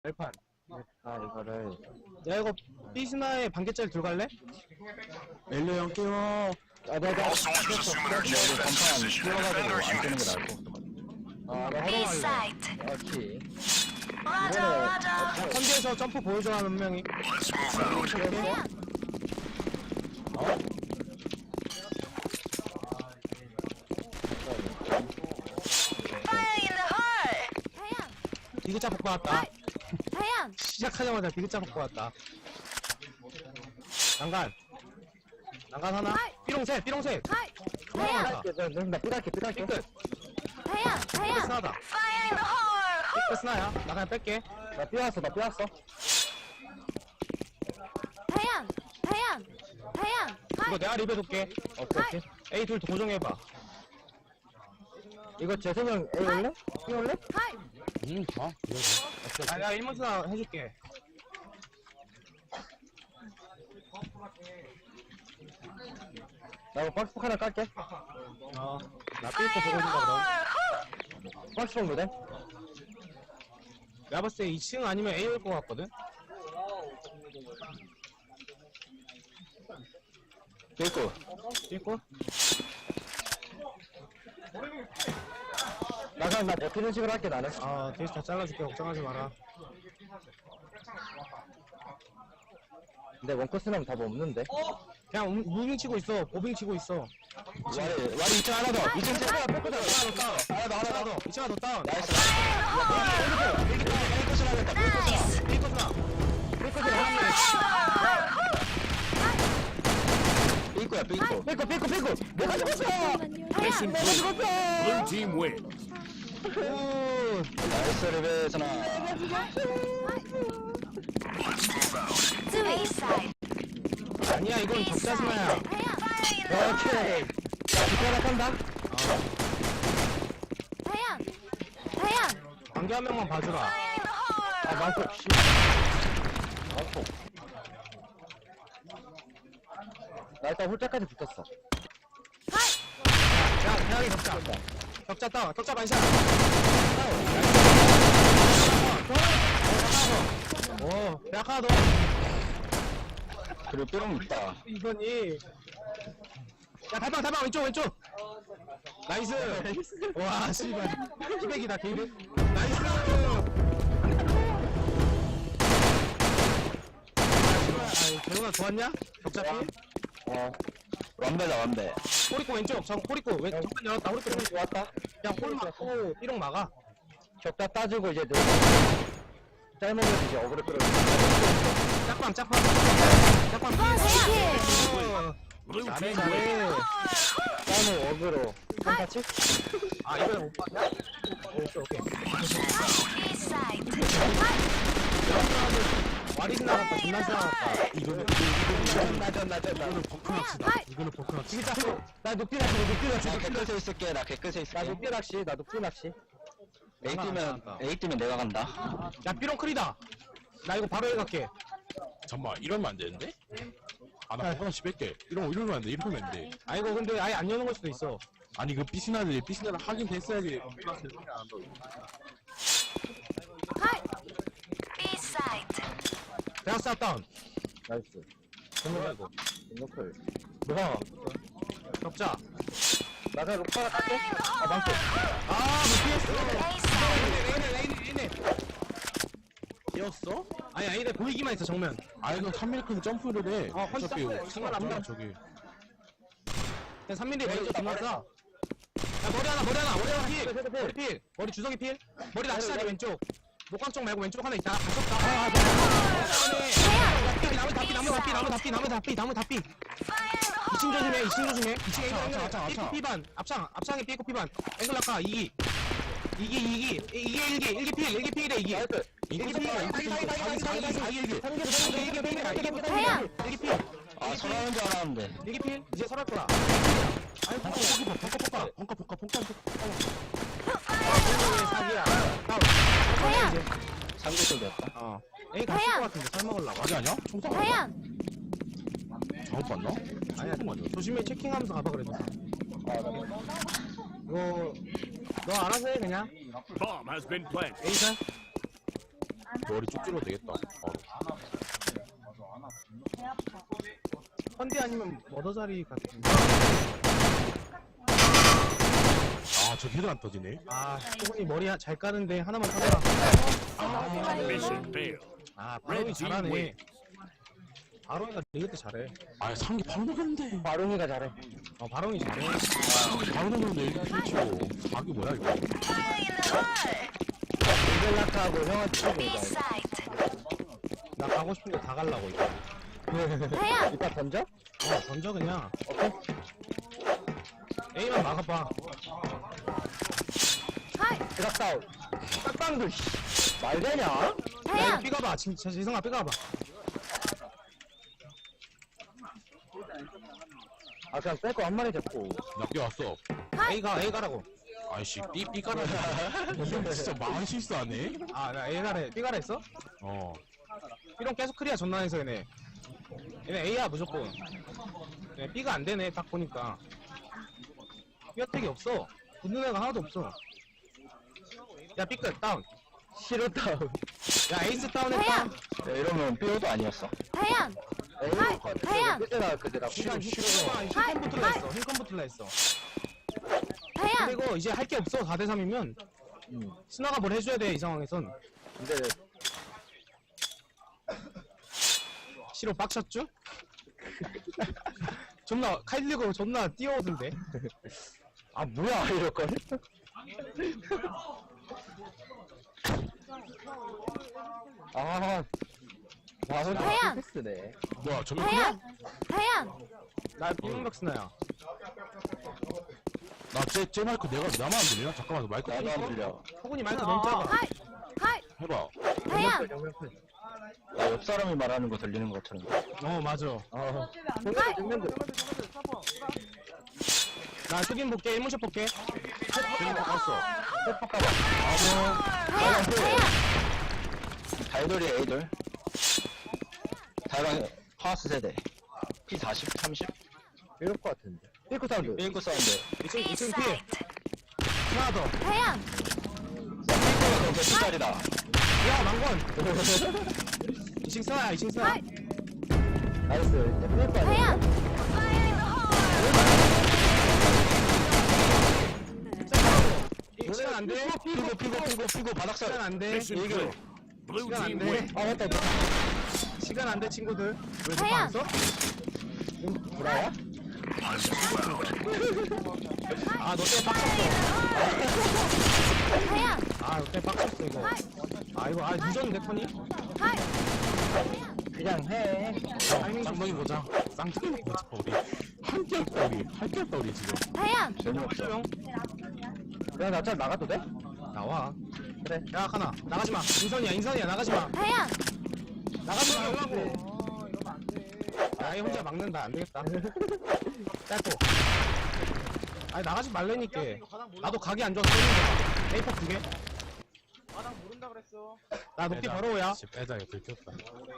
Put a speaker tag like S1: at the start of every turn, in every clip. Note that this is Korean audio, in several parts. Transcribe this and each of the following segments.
S1: 발판.
S2: 이거를.
S1: 야, 이거 삐스나의 반개짜리 들어갈래?
S2: 엘리 형 깨워. 내가
S3: Also want you to assume an urgent defense position and defend our units.
S1: 나
S4: B
S1: 허용할래.
S4: site.
S2: 그렇지.
S4: Roger, Roger.
S1: 선지에서 점프 보여줘 한 명이.
S3: Let's move out.
S4: Fire in the hole.
S1: 디귿자 복구 왔다.
S4: 다양.
S1: 시작하자마자 디귿자 복구 왔다. 난간. 난간 하나. 삐롱색, 삐롱색.
S4: 다양.
S2: 나 삐갈게.
S1: 삐끗.
S4: 다양. 다양.
S1: 스나다.
S4: Fire in the hole.
S1: 삐끗 스나야. 나 그냥 뺄게.
S2: 나 삐왔어.
S4: 다양. 다양. 다양.
S1: 이거 내가 리뷰 줄게.
S2: 오케이.
S1: A 둘 고정해봐.
S2: 이거 재성형 A 올래? B 올래?
S1: 아, 내가 1문 스나 해줄게.
S2: 나 이거 박스폭 하나 깔게.
S1: 나 삐끗 보고 있는다 그럼.
S2: 박스폭 노래?
S1: 내가 봤을 때 2층 아니면 A 올 것 같거든?
S2: 삐고.
S1: 삐끗?
S2: 나 그냥 나 버티는 식으로 할게 나는.
S1: 뒤에서 다 잘라줄게. 걱정하지 마라.
S2: 근데 원코스는 답 없는데.
S1: 그냥 무빙 치고 있어. 보빙 치고 있어.
S2: 와리 2층 하나 더. 2층 제가 뺏고 자.
S1: 하나 더. 2층 하나 더 다운.
S2: 나이스.
S4: Nice.
S1: 삐끗나.
S2: 삐고야 삐고. 삐고. 내가 죽었어.
S4: 다양.
S2: 내가 죽었어.
S5: Blue team wins.
S2: 나이스 리베스나.
S4: B site.
S1: 아니야, 이건
S4: B
S1: 적자 스나야.
S4: site. 다양. Fire in the hole.
S2: 오케이. 자, 뒷고 하나 깐다.
S4: 다양. 다양.
S1: 관계 한 명만 봐주라.
S4: Fire in the hole.
S2: 망폭. 씨. 망폭. 나 일단 홀짝까지 붙었어.
S1: 야, 대학이 적자. 적자 다운. 적자 반샷. 오, 대학 하나 더.
S2: 그리고 삐롱 있다.
S1: 이거니. 야, 달방, 왼쪽. 나이스. 와, 씨발. 피백이다, 게이드. 나이스. 재훈아 좋았냐? 적자 피?
S2: 완배다.
S1: 호리코 왼쪽. 호리코 왼쪽 열었다. 호리코 왼쪽.
S2: 좋았다.
S1: 그냥 홀 맞고 삐롱 막아.
S2: 격자 따지고 이제 짧으면 이제 어그로 끌어.
S1: 짝방.
S5: Blue
S1: 잘해.
S5: team wins.
S2: 짧은 어그로. 똑같이?
S1: 아, 이번엔 못 봤냐? 오케이.
S4: B site.
S1: 와리스 나갔다. 존나 나갔다.
S2: 이거는
S1: 이거는 버크낚시.
S2: 진짜 나 녹디 낚시. 나 개끝에 있을게. 나 녹디 낚시. A 뛰면 내가 간다.
S1: 야, 삐롱 크리다. 나 이거 바로 해 갈게.
S5: 잠깐만 이러면 안 되는데? 나 하나씩 뺄게. 이러면 안 돼. 이러면 안 돼.
S1: 아, 이거 근데 아예 안 여는 걸 수도 있어.
S5: 아니 그 삐스나를 하긴 됐어야지.
S4: B site.
S1: 대학 사 다운.
S2: 나이스.
S1: 뭐야 이거?
S2: 노클.
S1: 뭐야? 적자.
S2: 나 그냥 록파가 깎게. 망치.
S1: 못 피했어.
S4: A site.
S1: 레인에.
S5: 뛰었어?
S1: 아니, 아니네. 보이기만 했어, 정면.
S5: 아 이거 3밀크는 점프를 해.
S1: 훨씬
S5: 어차피
S1: 점프해. 상관없잖아,
S5: 저기.
S1: 그냥 3mm 머리 존나 싸. 야, 머리 하나 필. 머리 주석이 필. 머리 낚시자리 왼쪽. 목광 쪽 말고 왼쪽 하나 있다. 가볍다. 나무 다 삐. 2층 조심해. 2층에 피반. 앞창에 삐고 피반. 앵글 낙하 2기. 1기 필이래 2기.
S5: 이거
S4: 다양.
S1: 1기 필.
S2: 아, 전화하는 줄 알았는데.
S1: 1기 필. 이제 설할 거야. 아이고,
S5: 벙커.
S1: 사기야.
S4: 다양.
S2: 삼겹살이었다.
S1: 에이, 갔을 것 같은데, 살 먹으려고.
S5: 아니 아니야? 총상
S4: 다양.
S5: 잘못 봤나?
S1: 아니야, 조심히 체킹하면서 가봐, 그래도. 이거, 너 알아서 해, 그냥.
S5: Bomb has been planted.
S1: 에이사?
S5: 머리 쭉 찔러도 되겠다. 바로.
S1: 컨디 아니면 머더자리 같은.
S5: 아, 저 걔들 안 터지네.
S1: 아, 소근이 머리 잘 까는데 하나만 타라.
S6: Mission failed.
S1: 아, 바롱이 잘하네. 바롱이가 리그 때 잘해.
S5: 아, 상기 바로 나갔는데.
S2: 바롱이가 잘해.
S1: 바롱이 잘해.
S5: 바로 나갔는데 이렇게 펼치고. 사기 뭐야, 이거.
S2: 벨라카하고 형한테 치고
S4: B
S2: 이거.
S4: site.
S1: 나 가고 싶은 거 다 갈라고 이거.
S4: 다양.
S2: 이따 던져?
S1: 던져 그냥.
S2: 오케이.
S1: A만 막아봐.
S4: 하이.
S2: 드랍 다운. 빡빵도 말 되냐?
S1: 야, 이거
S4: 다양.
S1: 삐가봐. 진짜 지성아 삐가봐.
S2: 아 그냥 뺄거 한 마리 잡고.
S5: 나 뛰어왔어.
S1: A 가라고.
S5: 아이씨, 삐까라. 진짜 마음 실수하네.
S1: 아, 나 A 가래. B 가라 했어?
S5: 어.
S1: B랑 계속 클리어 전난해서 얘네. 얘네 A야 무조건. 얘네 B가 안 되네 딱 보니까. B 혜택이 없어. 붙는 애가 하나도 없어. 야 B끝 다운.
S2: 시로 다운.
S1: 야 에이스 다운했다.
S4: 다양.
S2: 야, 이러면 삐오도 아니었어.
S4: 다양. 다양.
S2: 그때나 그때나.
S1: 힐컨 붙을라 했어. 힐컨 붙을라 했어.
S4: 다양.
S1: 그리고 이제 할 게 없어. 4대3이면 스나가 뭘 해줘야 돼 이 상황에선.
S2: 근데
S1: 시로 빡쳤죠? 존나 칼 들고 존나 뛰어오던데.
S2: 아 뭐야 이럴걸? 아. 와 근데
S4: 다양.
S2: 패스네.
S5: 뭐야, 저면
S4: 다양. 다양.
S1: 나 삐명박 스나야.
S5: 쟤 마이크 나만 안 들리나? 잠깐만, 마이크
S2: 나도 안 들려.
S1: 호군이 마이크 너무 작아.
S4: 하이. 하이.
S5: 해봐.
S4: 다양.
S2: 나 옆 사람이 말하는 거 들리는 것처럼.
S1: 맞아.
S2: 생각이 듣는데.
S1: 나 흑인 볼게. 1문샷 볼게.
S5: 쟤는 바꿨어.
S4: 다양. 다양.
S2: 달돌이 에이돌. 달방 파스 세대. P40, 30? 이럴 것 같은데. 삐꾸 사운드. 삐꾸 사운드.
S1: 2층
S4: B
S1: 2층 피.
S4: site.
S1: 하나 더.
S4: 다양.
S2: 삐꾸가 너무 P짜리다.
S1: 야 망건. 2층 스나야. 2층 스나.
S4: 하이.
S2: 나이스. 삐꾸 아니야?
S4: 다양.
S1: 시간 안 돼.
S2: 피고 바닥살.
S1: 시간 안 돼.
S6: Mission failed. Blue
S1: 시간 안
S6: team
S1: 돼.
S6: wins.
S2: 아 맞다.
S1: 시간 안 돼 친구들. 왜 저거
S4: 다양.
S1: 안 써?
S2: 브라야?
S1: 아, 너 때문에 빡쳤어.
S4: 다양.
S1: 아, 너 때문에 빡쳤어, 이거. 아, 이거, 늦었는데, 턴이?
S4: 하이.
S2: 그냥 해.
S1: 타이밍 좀
S5: 쌍둥이 보자. 쌍둥이 보자, 우리. 함께 할까, 우리. 함께 할까, 우리 지금.
S4: 다양.
S2: 재미없어.
S1: 형.
S2: 그냥 나짤 나가도 돼?
S1: 나와.
S2: 그래.
S1: 야, 카나. 나가지 마. 인선이야, 나가지 마.
S4: 다양.
S1: 나가지 말라고. 야, 얘 혼자 막는다. 안 되겠다. 짧고. 아니, 나가지 말라니까. 나도 각이 안 좋아서 쏘는 A4 두 개. 나 높이 바로 오야.
S5: 빼자, 이거 들켰다.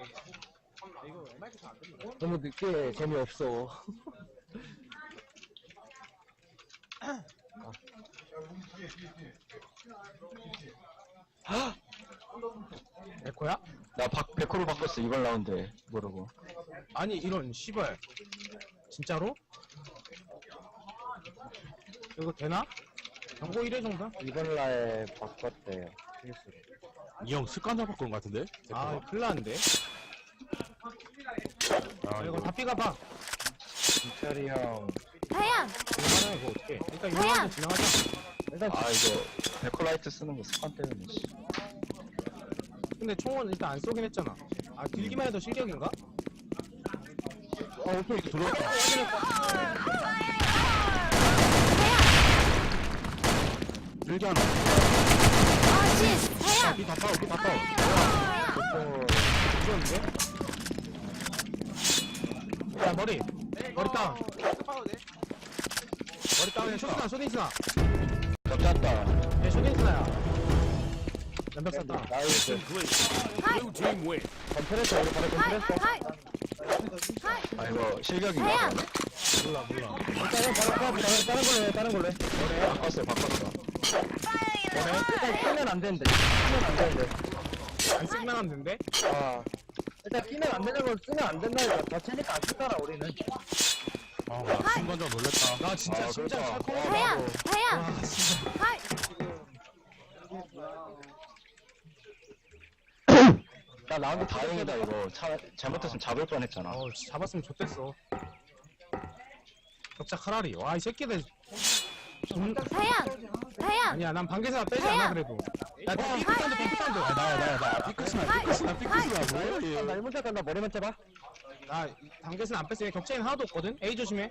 S2: 너무 늦게 재미없어.
S1: 에코야?
S2: 나 백호로 바꿨어 이번 라운드에 모르고.
S1: 아니, 이런, 씨발. 진짜로? 이거 되나? 경고 1회 정도?
S2: 이번 라에 바꿨대요.
S5: 이 형 습관자 바꾼 것 같은데?
S1: 아, 큰일 났는데.
S5: 아,
S1: 이거
S5: 이거.
S1: 다 삐가봐.
S2: 진철이 형.
S4: 다양.
S1: 이거 이거 어떻게? 일단 이거
S4: 다양.
S1: 한번 진행하자.
S2: 일단 아 이거 백호라이트 쓰는 거 습관 때문에. 씨.
S1: 근데 총은 일단 안 쏘긴 했잖아. 아, 들기만 해도 실격인가?
S2: 오케이
S5: 들어왔다. 일기 하나.
S4: 어시스트. 다양.
S1: 삐다 따오, 삐다 따오.
S4: 다양.
S1: 이겼는데? 야, 머리 다운. 머리 다운에 쇼스나, 쇼딘스나.
S2: 졌다.
S1: 얘 쇼딘스나야. 연벽 쐈다.
S2: 나이스.
S6: Blue team wins.
S2: 컴프레서 우리 바로
S4: 하이.
S2: 컴프레서.
S4: 하이. 하이.
S2: 아 이거 실격인가?
S4: 다양.
S1: 몰라.
S2: 다른 걸로 해. 바꿨어. 일단 쓰면 안 되는데. 쓰면 안 되는데.
S1: 안 쓰기만 하면 된대?
S2: 일단 끼면 안 되는 걸 쓰면 안 된다니까. 더 치니까 안 쓰더라, 우리는.
S5: 나 순간적으로 놀랬다.
S1: 나 진짜 심장 철컹.
S4: 태양, 태양.
S1: 와, 진짜.
S4: 하이.
S2: 나 라운드 다행이다, 이거. 잘못했으면 잡을 뻔 했잖아.
S1: 잡았으면 좋댔어. 격자 카라리. 와, 이 새끼들.
S4: 태양, 태양.
S1: 아니야, 난 반개사 빼지 않아, 그래도. 야, 핑크사운드, 핑크사운드.
S5: 나야. 삐끗이라고.
S2: 나 1문 샷 간다, 머리만 잡아.
S1: 나 단계선 안 뺐으면 격자에는 하나도 없거든? A 조심해.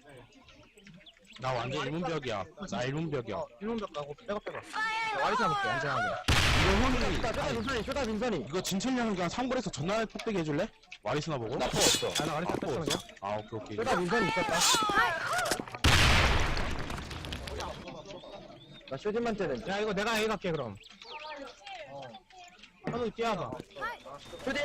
S5: 나 완전 일문벽이야. 나 일문벽이야.
S1: 1놈벽 가고 빼가. 와리사 볼게, 안전하게.
S2: 쇼다 빈선이.
S5: 이거 진천량 그냥 상골에서 전날 폭대기 해줄래? 와리스나 보고?
S2: 나포 없어.
S1: 아, 나 와리사 뺐어, 그냥.
S5: 아, 오케이.
S2: 쇼다 빈선이 있었다. 나 쇼진만 째는.
S1: 야, 이거 내가 A 갈게, 그럼. 하도 뛰어봐.
S2: 쇼진!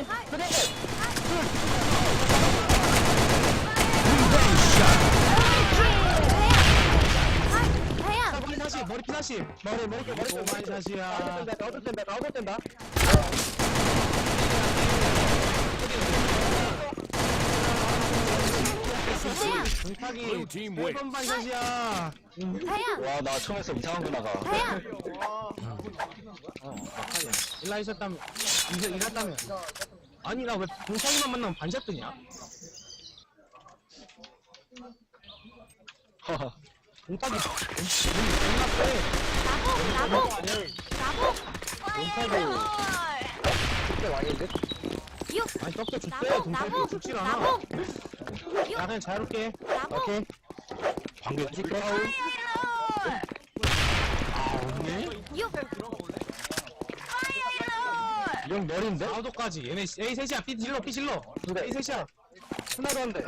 S4: 태양.
S1: 머리 다시, 머리 피다시. 머리 오마이 다시야.
S2: 나도 뗀다.
S1: 동탁이
S6: Blue team wins.
S1: 1번 반샷이야.
S4: 태양,
S2: 와, 나 처음에서 이상한 거 나가.
S4: 태양.
S1: 일라 있었다면, 이랬다면. 아니, 나 왜 동탁이만 만나면 반샷 뜨냐? 동탁이 존나 세.
S4: 나복.
S2: 진짜 왕인데?
S1: 아니, 떡대 줬대. 동탁이
S4: 나복.
S1: 죽질 않아.
S4: 나복.
S1: 야, 그냥 자유롭게.
S4: 나복.
S2: 오케이.
S5: 방금 찍고 없네?
S2: 이 형 머리인데?
S1: 아우도까지. 얘네 A 셋이야. B 질러, B 질러. A 셋이야.
S2: 하나도 안 돼.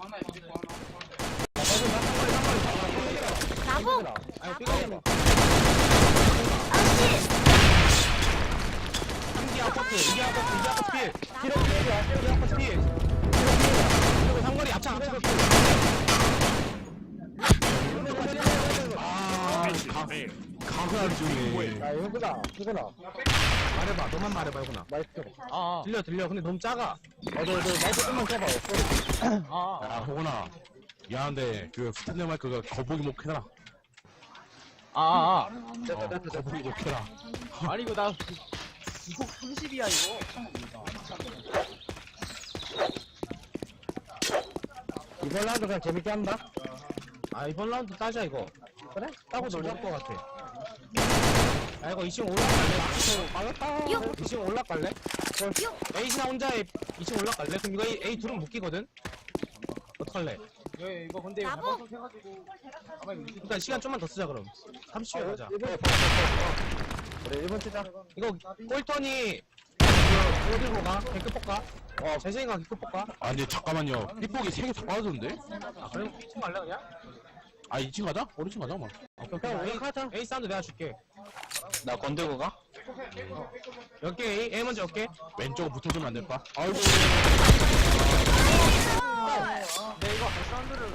S4: 나복.
S1: 아니, B가 아니면
S4: 아씨.
S1: 3기 아파트, 2기 아파트, 2기 아파트 필.
S4: 나복.
S1: 2기 아파트 필. 그리고 상거리 앞창.
S6: Mission failed.
S5: 가그알 중에.
S2: 야, 이거구나.
S1: 말해봐. 너만 말해봐, 이구나.
S2: 나이스.
S1: 들려. 근데 너무 작아.
S2: 너 마이크 좀만 켜봐.
S5: 야, 호건아. 미안한데, 그, 스탠드 마이크가 거북이 목해라. 거북이 목해라.
S7: 아니 이거 나 이거 30이야 이거.
S2: 이번 라운드 그냥 재밌게 한다.
S1: 아, 이번 라운드 따자, 이거.
S2: 그래?
S1: 따고 놀랄 것 같아. 야, 이거 2층 올라갈래? 2층 올라갈래? A시나 혼자 2층 올라갈래? 그럼 이거 A 둘은 묶이거든? 어떡할래?
S7: 이거 근데
S4: 나복.
S7: 해가지고 아마 이거
S1: 일단 시간 좀만 더 쓰자, 그럼. 30초에 가자.
S2: 그래, 1번 치자.
S1: 이거, 꼴턴이, 뭐 들고 가? 개급 볼까? 재생이가 개급 볼까?
S5: 아, 근데 잠깐만요. 삐폭이 3개 다 빠졌는데?
S1: 아, 그럼 2층 갈래, 그냥?
S5: 아, 2층 가자? 어느 층 가자, 뭐.
S1: 그럼 A 사운드 내가 줄게.
S2: 나 건들고 가?
S1: 몇 개 A 먼저 몇 개?
S5: 왼쪽 붙어주면 안 될까? 아이고.
S7: 내 이거 사운드를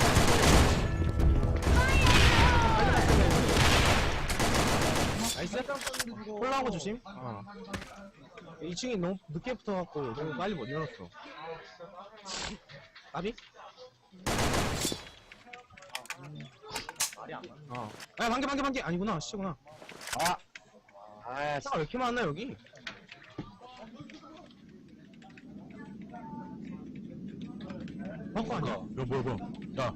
S1: 나이스? 콜라한 거 조심. 2층이 너무 늦게 붙어갖고 너무 빨리 못 일어났어. 나비?
S7: 말이 안 나.
S1: 야, 반개. 아니구나, 씨구나. 차가 왜 이렇게 많나, 여기? 바꿔 아니야?
S5: 뭐야. 야,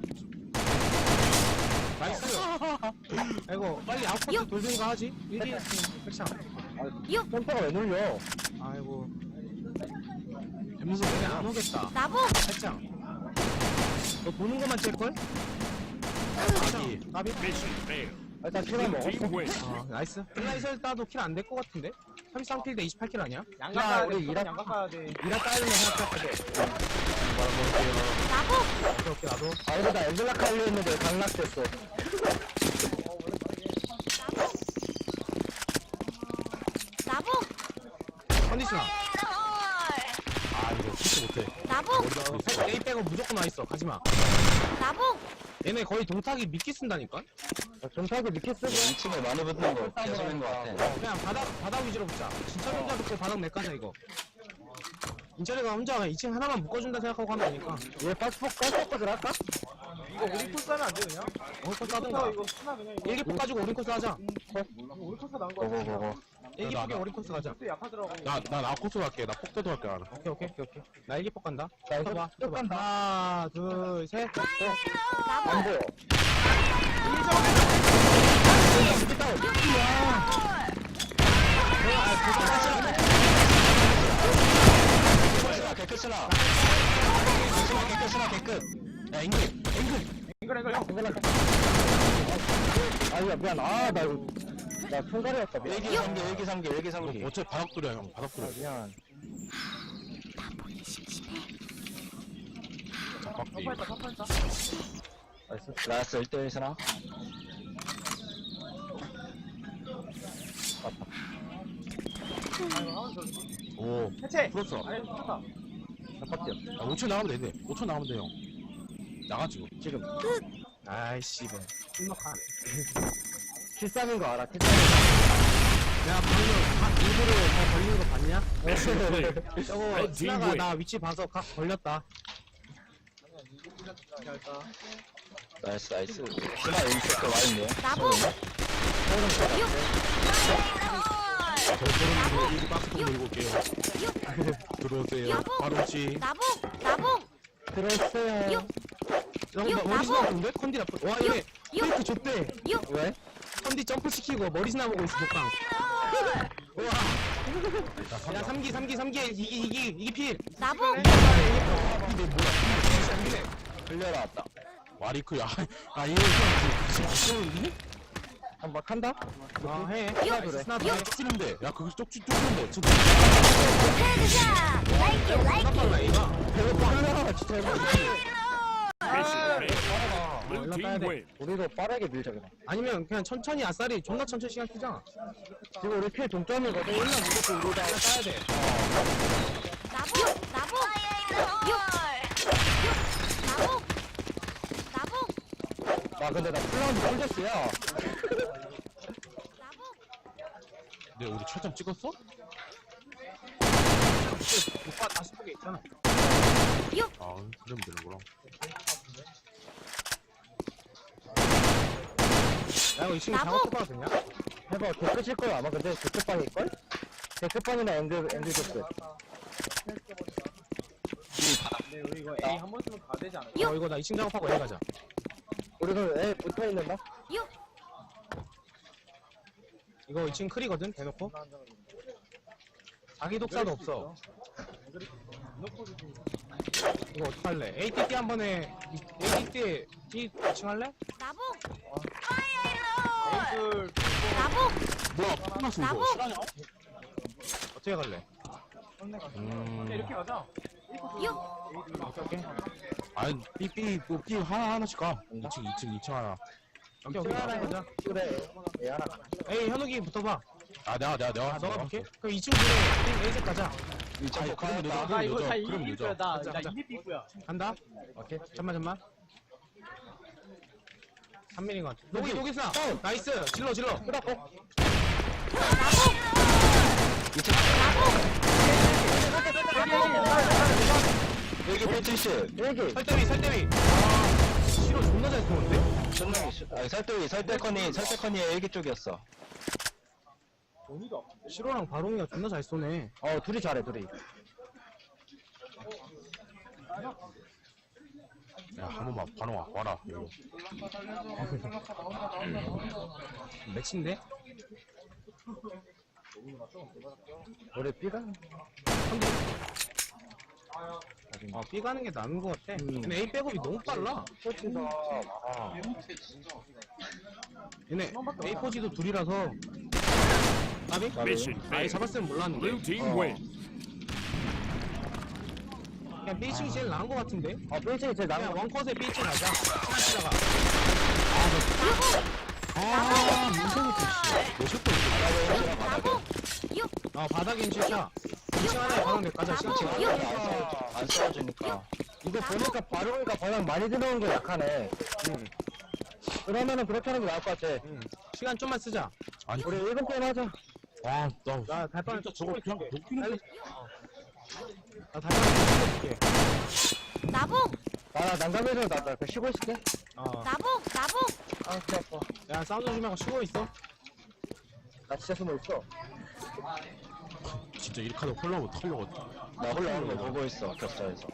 S1: 나이스. 아이고, 빨리 아웃코트 돌든가 하지? 1위 백창.
S2: 템퍼가 왜 눌려?
S1: 아이고. 뱀수 그냥 안 오겠다.
S4: 나복.
S1: 백창. 너 보는 것만 찔걸?
S5: 아기.
S1: 나비?
S6: Mission failed.
S2: 일단 키만
S6: Blue
S2: 먹어.
S6: team wins.
S1: 나이스. 플라이설 따도 킬 안 될 것 같은데? 33킬 대 28킬 아니야?
S7: 양각 가야 돼.
S2: 우리
S7: 무조건 양각 가야 돼.
S1: 이라 따야 된다 생각했거든.
S4: 나복.
S1: 오케이, 나도.
S2: 아, 이거 나 엔젤라카 하려 했는데 강락됐어.
S4: 나복.
S1: 컨디셔너.
S5: 아, 이거 키스 못해.
S4: 나복.
S1: A 빼고 무조건 와 있어. 가지마.
S4: 나복.
S1: 얘네 거의 동탁이 미끼 쓴다니까?
S2: 전사기 밑에 쓰고 2층에 많이 붙는 거 계속인 거 같아.
S1: 그냥 바닥 위주로 붙자. 진철 혼자 붙고 바닥 내까자 이거. 인철이가 혼자 2층 하나만 묶어준다 생각하고 하면 되니까.
S2: 얘 빠스포까지 할까?
S7: 이거 우리 코스 하면 안 돼, 그냥?
S1: 오른코스 하든가.
S7: 이거 스나 그냥 이거.
S1: 일기포 가지고 오른코스 하자.
S7: 우리 코스 나온 거 같아.
S2: 고고고고.
S1: 일기포게 오른코스 가자.
S7: 코스 약하더라고.
S5: 나 코스 갈게. 나 폭대도 갈게, 나는.
S1: 오케이. 나 일기포 간다.
S2: 자, 이거
S1: 봐.
S2: 쭉 간다.
S1: 하나, 둘, 셋.
S2: 안 보여. 개끝이나. 개끝. 야, 앵글.
S7: 앵글 형.
S2: 아니야, 미안. 나 손가락이었다. 일기상기.
S5: 어차피 바닥돌이야, 형. 바닥돌이야.
S2: 미안.
S5: 빡디.
S7: 탑파했다.
S2: 라스 1대1 스나.
S5: 오,
S7: 해체.
S5: 풀었어.
S7: 아니, 좋다.
S2: 아깝죠.
S5: 야, 5초 나가면 되네. 5초 나가면 돼, 형. 나가, 지금.
S1: 아이씨, 뭐. 심각하네.
S2: 73인 거 알아?
S1: 야, 방금 일부러 다 걸리는 거 봤냐?
S6: Mission clear.
S1: 저거
S6: Red team
S1: 스나가
S6: win.
S1: 나 위치 봐서 각 걸렸다.
S2: 나이스. 스나 왼쪽 거 와있네.
S4: 나봉.
S5: 저는 이거 박스 들고 올게요. 들어오세요. 바로 씨.
S4: 나봉.
S2: 들었어요.
S1: 저거
S4: 육,
S1: 머리
S4: 나보.
S1: 스나 보는데? 컨디 나쁘. 와, 얘네 페이크 줬대.
S2: 왜?
S1: 컨디 점프 시키고 머리 스나 보고 있어, 독방. 우와. 야, 3기, 이기 필.
S4: 나봉.
S2: 흘려라 왔다.
S5: 와리크, 야, 아, 얘,
S2: 한번 한다?
S1: 아, 해.
S2: 그래.
S1: 스나
S5: 야,
S1: 봐.
S5: 쪽지는데. 야, 그거 쪽지는데. 진짜.
S4: 헤드샷. Like it, like it.
S1: 빨라, 얘가.
S2: 배고파 흘려라 진짜.
S6: Mission failed. Blue
S1: 올라가야
S6: team
S1: 돼.
S6: win.
S2: 우리도 빠르게 밀자 그냥.
S1: 아니면 그냥 천천히 아싸리 존나 천천히 시간 쓰자.
S2: 지금 우리 필 동점이거든. 1년 무조건 우리다.
S1: 따야 돼.
S4: 나봉.
S2: 아 근데 나 플라운드 홀렸어야.
S5: 네, 우리 최점 찍었어?
S1: 오빠 다시 보게 있잖아.
S5: 아, 그러면 되는구나.
S1: 야, 이거 지금
S4: 나보.
S1: 작업 해봐도 되냐?
S2: 해봐. 개끝일 거야 아마. 근데 개끝방일걸? 개끝방이나 앵글 개끝.
S7: 근데 우리 이거 A 한 번 쓰면 다 되지 않을까?
S1: 이거 나 2층 작업하고 애 가자.
S2: 우리는 애 붙어있는다?
S1: 이거 2층 클이거든, 대놓고. 자기 독사도 없어. 이거 어떡할래? ATT 한 번에, ATT, 2층 할래?
S4: 나봉.
S7: 앵글.
S5: 뭐야, 끝났어, 이거.
S4: 나보.
S5: 실화냐?
S1: 어떻게 갈래?
S7: 근데 이렇게 가자.
S1: 오케이.
S5: 아니, 삐 하나씩 가. 2층 하나.
S1: 오케이, 하나 해보자.
S2: 그래. 애 하나.
S1: 에이, 현욱이 붙어봐.
S5: 아, 내가.
S1: 아, 너가 볼게? 그럼 2층 그래. A색 가자.
S5: 아니, 그럼 늦어.
S7: 나 이거 다
S5: 그럼
S7: 이길
S5: 늦어.
S7: 거야. 나
S1: 가자.
S7: 이길 삐꾸야.
S1: 간다? 오케이. 잠만. 3mm인 것 같아. 녹이 스나! 나이스! 질러!
S2: 끄덕고. 여기 170. 여기.
S1: 설대위! 아, 실어 존나 잘 쏘는데?
S2: 아니 설대커니 일기 쪽이었어.
S1: 실어랑 바롱이가 존나 잘 쏘네.
S2: 둘이 잘해 둘이.
S5: 야, 한 번만, 반응아, 와라. 이거.
S1: 매치인데?
S2: 우리 B가?
S1: B 가는 게 나은 것 같아. 근데 A 백업이 너무 빨라.
S2: 코치다.
S1: 얘네 A 포지도 둘이라서. 나비?
S6: Mission
S1: 아예
S6: failed.
S1: 잡았으면 몰랐는데.
S6: Blue team win.
S1: 그냥 B층이 제일 나은 것 같은데?
S2: B층이 제일 나은
S1: 그냥
S2: 거.
S1: 원컷에 B층 가자. 하나다가.
S5: 민성이 씨. 몇 샷도
S1: 바닥인 실차. 2층 하나에 바닥 내 가자. 실층.
S2: 안 싸워주니까. 이거 보니까 바로니까 방향 많이 들어온 게 약하네. 그러면은 그렇게 하는 게 나을 것 같아.
S1: 시간 좀만 쓰자.
S5: 아니,
S2: 우리 1분 게임 하자.
S5: 나
S1: 나 달방
S5: 진짜 저거 그냥 녹이는
S1: 나 달방 찍어줄게.
S4: 나복
S2: 나 난감해서 나 쉬고 있을게.
S4: 나복 나복
S2: 아, 진짜 아파.
S1: 야 사운드 조심하고 쉬고 있어.
S2: 나 진짜 숨어 있어.
S5: 진짜 이렇게 하다 홀라고 털려고.
S2: 나 올라오는 거 보고 있어, 격자에서.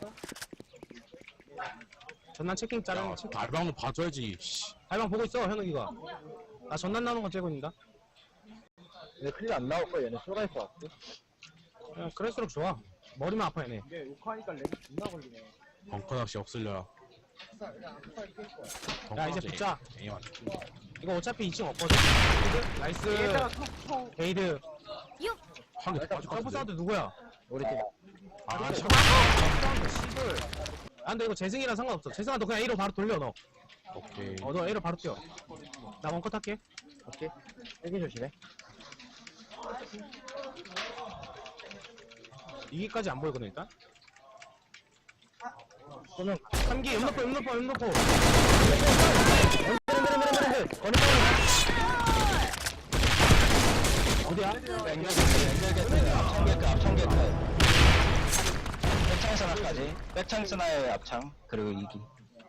S1: 전난 체킹
S5: 야,
S1: 자르는 체킹.
S5: 달방도 봐줘야지. 씨.
S1: 달방 보고 있어 현욱이가. 나 전난 나오는 거 째고 있는다.
S2: 얘네 클리어 안 나올 거야. 얘네 쏘갈 것 같고.
S1: 야, 그럴수록 좋아. 머리만 아파 얘네.
S7: 이게 욕하니까 렉이 존나 걸리네.
S5: 벙커 낚시 없을려야.
S1: 야 이제 붙자.
S5: 에이만.
S1: 이거 어차피 2층 없거든. 게이드? 나이스.
S7: 얘들아 톡톡.
S1: 게이드.
S5: 한개 빠질 것
S1: 점프
S5: 같은데.
S1: 사운드 누구야?
S2: 우리 팀.
S5: 아, 참.
S1: 아 근데 이거 재승이랑 상관없어. 재승아 너 그냥 A로 바로 돌려 너.
S5: 오케이.
S1: 너 A로 바로 뛰어. 나 원컷 할게.
S2: 오케이. 여기 조심해.
S1: 이기까지 안 보이거든 일단.
S2: 그러면
S1: 3기 음노포. 어디야?
S2: 앞창 개끝. 백창 스나까지. 백창 스나의 앞창. 그리고 2기.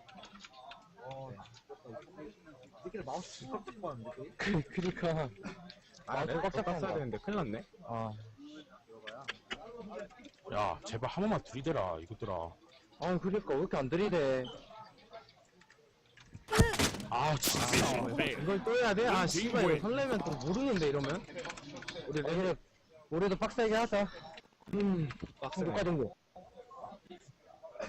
S7: 이렇게 마우스 진짜 찍고 하는데.
S2: 그니까.
S1: 아 내가 깜짝 깜짝 되는데 큰일 났네.
S5: 야, 제발 한 번만 들이대라, 이것들아.
S2: 그니까 왜 이렇게 안 들이대.
S5: 아, 진짜.
S6: Mission failed.
S1: 이걸 또 해야 돼? 아 씨발 이거 설레면 또 모르는데 이러면.
S2: 우리도 빡세게 하자.
S1: 빡세.
S2: 국가 정도.